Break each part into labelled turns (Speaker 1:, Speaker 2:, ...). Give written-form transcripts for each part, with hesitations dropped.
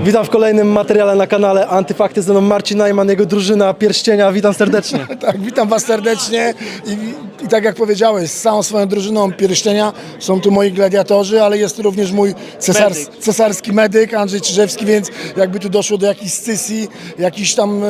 Speaker 1: Witam w kolejnym materiale na kanale Antyfakty, ze mną Marcin Najman, jego drużyna Pierścienia. Witam serdecznie.
Speaker 2: Tak, witam Was serdecznie i tak jak powiedziałeś, z całą swoją drużyną Pierścienia są tu moi gladiatorzy, ale jest tu również mój cesarski medyk Andrzej Czyżewski, więc jakby tu doszło do jakiejś scysji, jakiś tam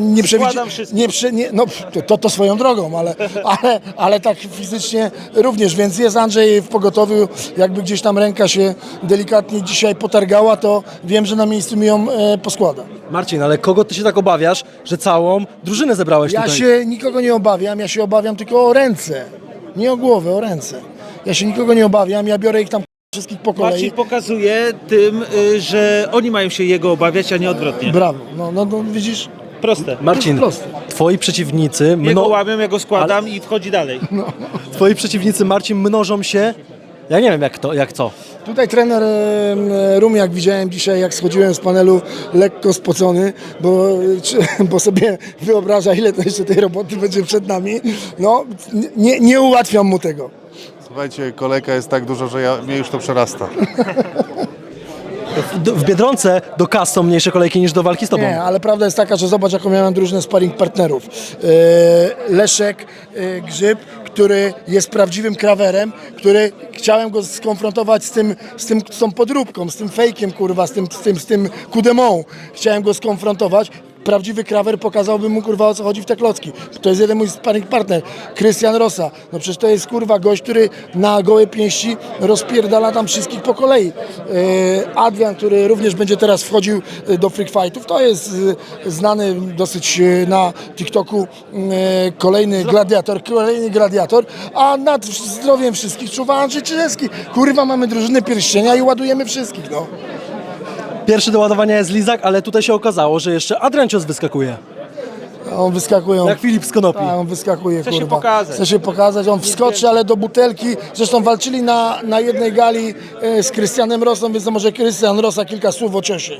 Speaker 2: to swoją drogą, ale tak fizycznie również, więc jest Andrzej w pogotowiu, jakby gdzieś tam ręka się delikatnie dzisiaj potargała, to wiem, że na miejscu mi ją poskłada.
Speaker 1: Marcin, ale kogo ty się tak obawiasz, że całą drużynę zebrałeś
Speaker 2: Ja
Speaker 1: tutaj?
Speaker 2: się nikogo nie obawiam, ja się obawiam tylko o ręce, nie o głowę, o ręce. Ja się nikogo nie obawiam, ja biorę ich tam wszystkich po kolei.
Speaker 3: Marcin pokazuje tym, że oni mają się jego obawiać, a nie odwrotnie.
Speaker 2: Brawo, no widzisz?
Speaker 3: Proste.
Speaker 1: Marcin,
Speaker 2: Proste.
Speaker 1: twoi przeciwnicy,
Speaker 3: Jego łamią, ja go składam i wchodzi dalej.
Speaker 1: twoi przeciwnicy, Marcin, mnożą się, ja nie wiem jak co.
Speaker 2: Tutaj trener Rumiak widziałem dzisiaj, jak schodziłem z panelu, lekko spocony, bo sobie wyobraża, ile to jeszcze tej roboty będzie przed nami. No, nie ułatwiam mu tego.
Speaker 4: Słuchajcie, kolejka jest tak duża, że mnie już to przerasta.
Speaker 1: W Biedronce do kas są mniejsze kolejki niż do walki z tobą.
Speaker 2: Nie, ale prawda jest taka, że zobacz, jaką miałem drużynę sparring partnerów. Leszek Grzyb, który jest prawdziwym krawerem, który chciałem go skonfrontować z tą podróbką, z tym fejkiem, kurwa, z tym kudemą. Chciałem go skonfrontować. Prawdziwy krawer pokazałby mu, kurwa, o co chodzi w te klocki. To jest jeden mój sparring partner, Krystian Rosa. No przecież to jest, kurwa, gość, który na gołe pięści rozpierdala tam wszystkich po kolei. Adrian, który również będzie teraz wchodził do freak fightów, to jest znany dosyć na TikToku kolejny gladiator, a nad zdrowiem wszystkich czuwa Andrzej Czyżewski. Kurwa, mamy drużynę Pierścienia i ładujemy wszystkich, no.
Speaker 1: Pierwszy do ładowania jest Lizak, ale tutaj się okazało, że jeszcze Adrian Cios wyskakuje.
Speaker 2: On wyskakuje.
Speaker 1: Jak Filip z Konopi.
Speaker 2: On wyskakuje,
Speaker 3: Chce się
Speaker 2: kurwa.
Speaker 3: pokazać.
Speaker 2: Chce się pokazać, on wskoczy, ale do butelki. Zresztą walczyli na jednej gali z Krystianem Rosą, więc to może Krystian Rosa kilka słów o ciosie.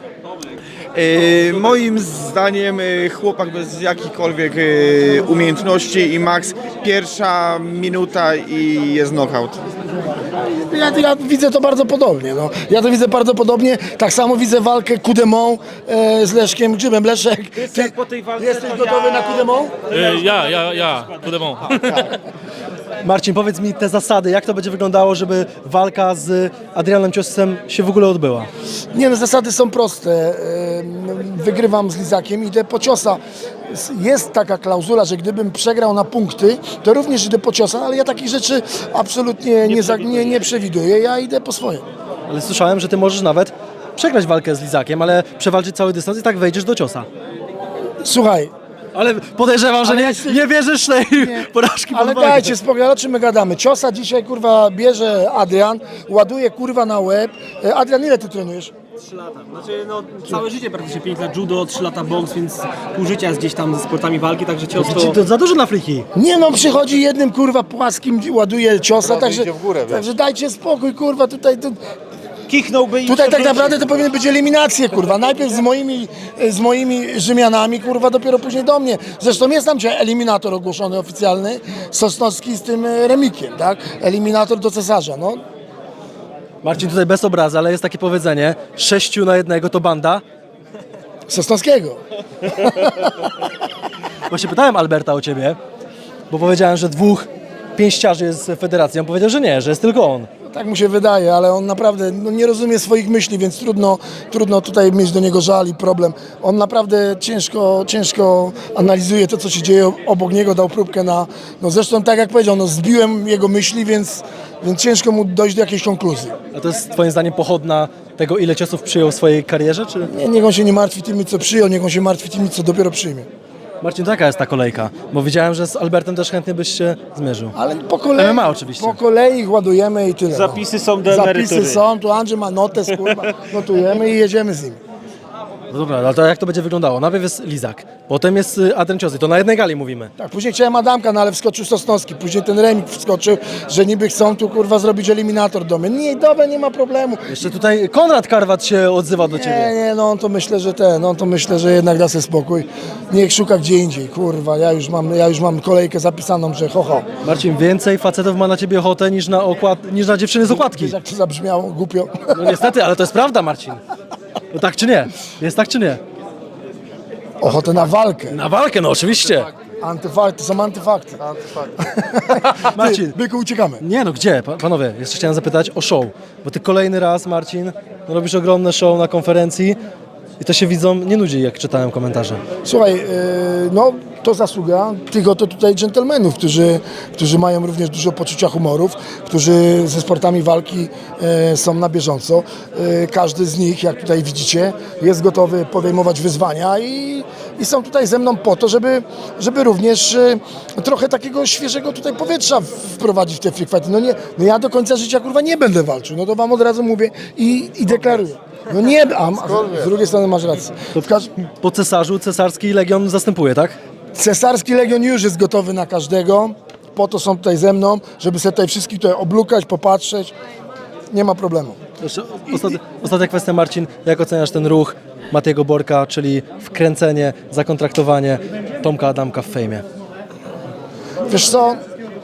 Speaker 5: Moim zdaniem chłopak bez jakichkolwiek umiejętności i max pierwsza minuta i jest knockout.
Speaker 2: Ja widzę to bardzo podobnie. No. Ja to widzę bardzo podobnie. Tak samo widzę walkę Kudemą z Leszkiem Grzybem. Leszek, ty
Speaker 3: po tej walce
Speaker 2: jesteś
Speaker 3: to
Speaker 2: gotowy na Kudemą?
Speaker 6: Ja, Kudemon.
Speaker 1: Marcin, powiedz mi te zasady, jak to będzie wyglądało, żeby walka z Adrianem Ciosem się w ogóle odbyła?
Speaker 2: Nie, no zasady są proste. Wygrywam z Lizakiem, idę po ciosa. Jest taka klauzula, że gdybym przegrał na punkty, to również idę po ciosa, ale ja takich rzeczy absolutnie nie przewiduję. Ja idę po swoje.
Speaker 1: Ale słyszałem, że ty możesz nawet przegrać walkę z Lizakiem, ale przewalczyć cały dystans i tak wejdziesz do ciosa.
Speaker 2: Słuchaj,
Speaker 1: Ale podejrzewam, że nie wierzysz tej porażki pod
Speaker 2: ale
Speaker 1: walkę.
Speaker 2: dajcie spokój, ale o czym my gadamy? Ciosa dzisiaj, kurwa, bierze Adrian, ładuje, kurwa, na łeb. Adrian, ile ty trenujesz?
Speaker 7: 3 lata. Znaczy, całe życie praktycznie 5 lat judo, 3 lata boks, więc pół życia jest gdzieś tam ze sportami walki, także cios to...
Speaker 1: To za dużo na friki.
Speaker 2: Nie no, przychodzi jednym, kurwa, płaskim, ładuje ciosa, także,
Speaker 4: idzie w górę, wiesz.
Speaker 2: także dajcie spokój, kurwa,
Speaker 3: Kichnąłby i
Speaker 2: Tutaj tak
Speaker 3: przewrócił.
Speaker 2: naprawdę to powinny być eliminacje, kurwa. Najpierw z moimi Rzymianami, kurwa, dopiero później do mnie. Zresztą jest tam dzisiaj eliminator ogłoszony oficjalny, Sosnowski z tym Remikiem, tak? Eliminator do cesarza, no.
Speaker 1: Marcin, tutaj bez obrazy, ale jest takie powiedzenie, 6 na 1 to banda.
Speaker 2: Sosnowskiego.
Speaker 1: Właśnie pytałem Alberta o ciebie, bo powiedziałem, że 2 pięściarzy jest w federacji. On powiedział, że nie, że jest tylko on.
Speaker 2: Tak mu się wydaje, ale on naprawdę nie rozumie swoich myśli, więc trudno tutaj mieć do niego żal i problem. On naprawdę ciężko analizuje to, co się dzieje obok niego, dał próbkę na... No zresztą tak jak powiedział, zbiłem jego myśli, więc ciężko mu dojść do jakiejś konkluzji.
Speaker 1: A to jest twoim zdaniem pochodna tego, ile ciosów przyjął w swojej karierze, czy?
Speaker 2: Niech on się nie martwi tymi, co przyjął, niech on się martwi tymi, co dopiero przyjmie.
Speaker 1: Marcin, to jaka jest ta kolejka? Bo widziałem, że z Albertem też chętnie byś się zmierzył.
Speaker 2: Ale po kolei,
Speaker 1: MMA oczywiście.
Speaker 2: Po kolei ich ładujemy i tyle.
Speaker 3: Zapisy są do emerytury.
Speaker 2: Zapisy są, tu Andrzej ma notes, kurwa, notujemy i jedziemy z nim.
Speaker 1: No dobra, ale to jak to będzie wyglądało? Najpierw jest Lizak, potem jest Adrian Cios i to na jednej gali mówimy.
Speaker 2: Tak, później chciałem Adamka, no ale wskoczył Sosnowski, później ten Remik wskoczył, że niby chcą tu, kurwa, zrobić eliminator do mnie. Nie, dobra, nie ma problemu.
Speaker 1: Jeszcze tutaj Konrad Karwat się odzywa do ciebie.
Speaker 2: Nie, no on to myślę, że jednak da sobie spokój. Niech szuka gdzie indziej, kurwa, ja już mam kolejkę zapisaną, że ho.
Speaker 1: Marcin, więcej facetów ma na ciebie ochotę niż na dziewczyny z okładki.
Speaker 2: Wiesz, jak to zabrzmiało głupio.
Speaker 1: No niestety, ale to jest prawda, Marcin. No tak czy nie? Jest tak czy nie?
Speaker 2: Ochotę na walkę.
Speaker 1: Na walkę, no oczywiście.
Speaker 2: Antyfakty, to są antyfakty.
Speaker 1: Marcin.
Speaker 2: Byku, uciekamy.
Speaker 1: Nie no, gdzie? Panowie, jeszcze chciałem zapytać o show. Bo ty kolejny raz, Marcin, no robisz ogromne show na konferencji i to się widzom nie nudzi, jak czytałem komentarze.
Speaker 2: Słuchaj, no to zasługa tych oto tutaj dżentelmenów, którzy mają również dużo poczucia humorów, którzy ze sportami walki są na bieżąco. Każdy z nich, jak tutaj widzicie, jest gotowy podejmować wyzwania i są tutaj ze mną po to, żeby również trochę takiego świeżego tutaj powietrza wprowadzić w te free fighty. No ja do końca życia kurwa nie będę walczył, no to wam od razu mówię i deklaruję. No nie, a z drugiej strony masz rację.
Speaker 1: Po cesarzu cesarski legion zastępuje, tak?
Speaker 2: Cesarski Legion już jest gotowy na każdego, po to są tutaj ze mną, żeby sobie tutaj wszystkich tutaj oblukać, popatrzeć, nie ma problemu.
Speaker 1: Jeszcze ostatnia kwestia, Marcin. Jak oceniasz ten ruch Matiego Borka, czyli wkręcenie, zakontraktowanie Tomka Adamka w fejmie?
Speaker 2: Wiesz co,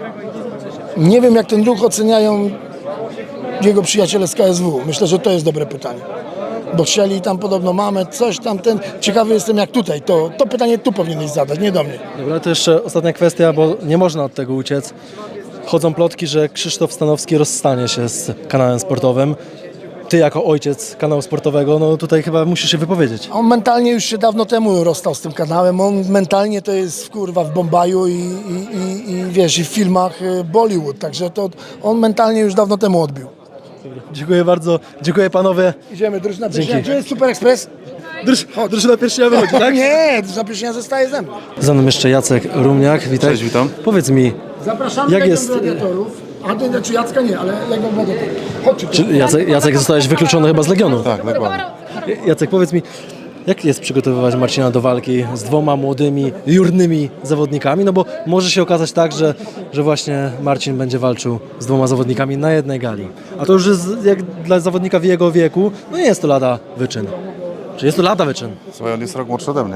Speaker 2: nie wiem jak ten ruch oceniają jego przyjaciele z KSW, myślę, że to jest dobre pytanie. Bo chcieli tam podobno mamy, coś tam, ciekawy jestem jak tutaj, to pytanie tu powinieneś zadać, nie do mnie.
Speaker 1: Dobra, to jeszcze ostatnia kwestia, bo nie można od tego uciec. Chodzą plotki, że Krzysztof Stanowski rozstanie się z kanałem sportowym. Ty jako ojciec kanału sportowego, no tutaj chyba musisz się wypowiedzieć.
Speaker 2: On mentalnie już się dawno temu rozstał z tym kanałem, on mentalnie to jest kurwa w Bombaju i wiesz, i w filmach Bollywood, także to on mentalnie już dawno temu odbił.
Speaker 1: Dziękuję bardzo, dziękuję panowie.
Speaker 2: Idziemy, drużyna
Speaker 1: Dzięki.
Speaker 2: pierścienia. Gdzie jest Super Express?
Speaker 1: Drużyna pierścienia wychodzi, tak?
Speaker 2: Nie, drużyna pierścienia zostaje ze mną.
Speaker 1: Za mną jeszcze Jacek Rumniak, witaj.
Speaker 4: Cześć, witam.
Speaker 1: Powiedz mi,
Speaker 2: Zapraszamy
Speaker 1: Jak
Speaker 2: Legion
Speaker 1: jest-
Speaker 2: Gladiatorów. Znaczy Jacka nie, ale Legion Gladiatorów. Chodźcie.
Speaker 1: czy Jacek zostałeś wykluczony chyba z Legionu?
Speaker 4: Tak, dokładnie.
Speaker 1: Jacek, powiedz mi, jak jest przygotowywać Marcina do walki z dwoma młodymi, jurnymi zawodnikami? No bo może się okazać tak, że właśnie Marcin będzie walczył z dwoma zawodnikami na jednej gali. A to już jest, jak dla zawodnika w jego wieku, no nie jest to lada wyczyn. Czy jest to lada wyczyn?
Speaker 4: Słuchaj, on jest rok młodszy ode mnie.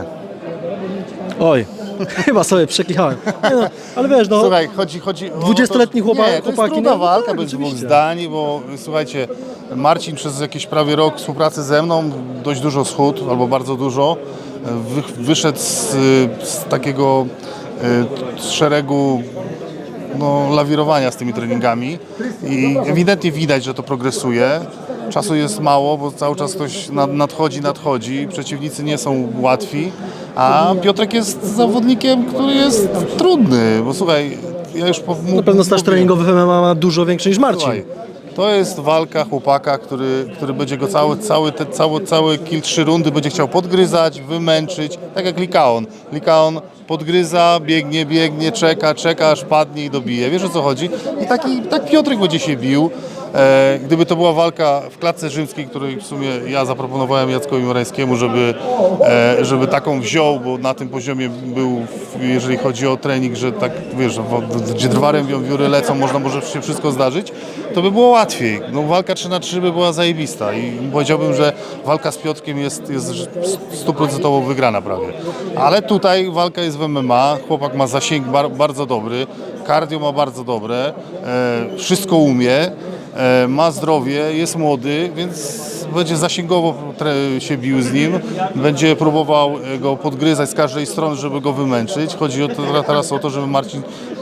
Speaker 1: Oj, chyba sobie przekichałem. Nie no, ale wiesz, no,
Speaker 4: Słuchaj, chodzi o
Speaker 1: 20-letni
Speaker 4: to, że- nie, to
Speaker 1: chłopaki,
Speaker 4: jest trudna
Speaker 1: no,
Speaker 4: walka
Speaker 1: tak,
Speaker 4: bez dwóch
Speaker 1: oczywiście.
Speaker 4: zdań, bo słuchajcie, Marcin przez jakiś prawie rok współpracy ze mną dość dużo schudł, albo bardzo dużo. Wyszedł z takiego z szeregu lawirowania z tymi treningami i ewidentnie widać, że to progresuje. Czasu jest mało, bo cały czas ktoś nadchodzi, przeciwnicy nie są łatwi, a Piotrek jest zawodnikiem, który jest trudny, bo słuchaj, ja już
Speaker 1: Na pewno staż treningowy w MMA ma dużo większy niż Marcin.
Speaker 4: Słuchaj, to jest walka chłopaka, który będzie go całe kill 3 rundy będzie chciał podgryzać, wymęczyć, tak jak Likaon. Likaon podgryza, biegnie, czeka, aż padnie i dobije. Wiesz o co chodzi? I tak Piotrek będzie się bił. Gdyby to była walka w klatce rzymskiej, której w sumie ja zaproponowałem Jackowi Morańskiemu, żeby taką wziął, bo na tym poziomie był, jeżeli chodzi o trening, że tak wiesz, gdzie drwarem wióry lecą, może się wszystko zdarzyć, to by było łatwiej. No, walka 3-3 by była zajebista i powiedziałbym, że walka z Piotrkiem jest 100% wygrana prawie. Ale tutaj walka jest w MMA, chłopak ma zasięg bardzo dobry, cardio ma bardzo dobre, wszystko umie. Ma zdrowie, jest młody, więc będzie zasięgowo się bił z nim, będzie próbował go podgryzać z każdej strony, żeby go wymęczyć. Chodzi teraz o to, żeby Marcin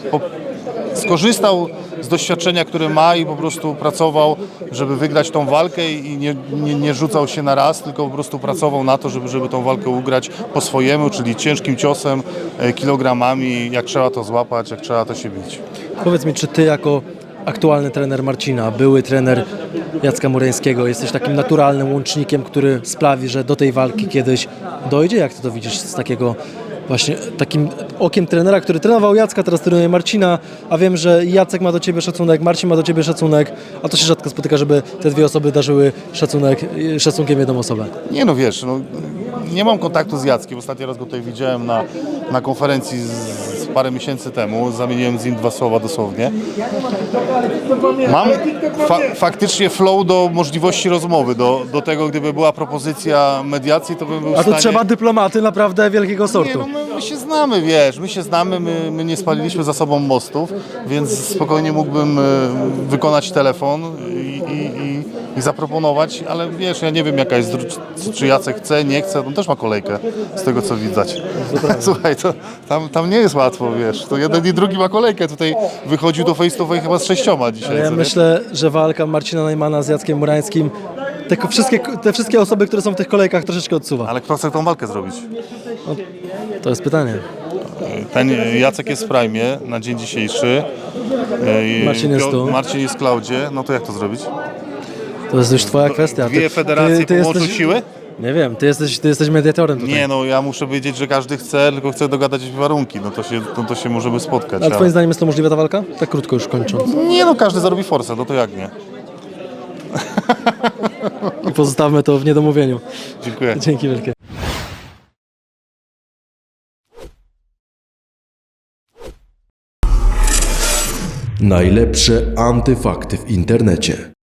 Speaker 4: skorzystał z doświadczenia, które ma i po prostu pracował, żeby wygrać tą walkę i nie rzucał się na raz, tylko po prostu pracował na to, żeby tą walkę ugrać po swojemu, czyli ciężkim ciosem, kilogramami, jak trzeba to złapać, jak trzeba to się bić.
Speaker 1: Powiedz mi, czy ty jako aktualny trener Marcina, były trener Jacka Murańskiego, jesteś takim naturalnym łącznikiem, który sprawi, że do tej walki kiedyś dojdzie? Jak ty to widzisz z takiego właśnie takim okiem trenera, który trenował Jacka, teraz trenuje Marcina, a wiem, że Jacek ma do ciebie szacunek, Marcin ma do ciebie szacunek, a to się rzadko spotyka, żeby te dwie osoby darzyły szacunkiem jedną osobę.
Speaker 4: Nie no wiesz, nie mam kontaktu z Jackiem. Ostatni raz go tutaj widziałem na konferencji z parę miesięcy temu. Zamieniłem z nim 2 słowa dosłownie. Mam faktycznie flow do możliwości rozmowy, do tego, gdyby była propozycja mediacji, to bym był w
Speaker 1: A
Speaker 4: stanie...
Speaker 1: to trzeba dyplomaty naprawdę wielkiego sortu.
Speaker 4: Nie, no my się znamy, wiesz, my nie spaliliśmy za sobą mostów, więc spokojnie mógłbym wykonać telefon i zaproponować, ale wiesz, ja nie wiem jaka jest, czy Jacek chce, nie chce, on też ma kolejkę z tego co widać. Słuchaj, to tam nie jest łatwo, wiesz, to jeden i drugi ma kolejkę, tutaj wychodził do face to face chyba z 6 dzisiaj.
Speaker 1: Ja
Speaker 4: co nie?
Speaker 1: myślę, że walka Marcina Najmana z Jackiem Murańskim te wszystkie osoby, które są w tych kolejkach troszeczkę odsuwa.
Speaker 4: Ale kto chce tą walkę zrobić?
Speaker 1: To jest pytanie.
Speaker 4: Ten Jacek jest w prime na dzień dzisiejszy.
Speaker 1: Marcin jest tu.
Speaker 4: Marcin jest w Klaudzie, no to jak to zrobić?
Speaker 1: To jest już twoja kwestia.
Speaker 4: Dwie federacje połączą siły?
Speaker 1: Nie wiem, ty jesteś mediatorem tutaj.
Speaker 4: Nie, no ja muszę wiedzieć, że każdy chce, tylko chce dogadać warunki, no to się możemy spotkać.
Speaker 1: Ale twoim zdaniem jest to możliwa ta walka? Tak krótko już kończąc.
Speaker 4: Nie no, każdy zarobi forsę, no to jak nie?
Speaker 1: I pozostawmy to w niedomówieniu.
Speaker 4: Dziękuję.
Speaker 1: Dzięki wielkie.
Speaker 8: Najlepsze antyfakty w internecie.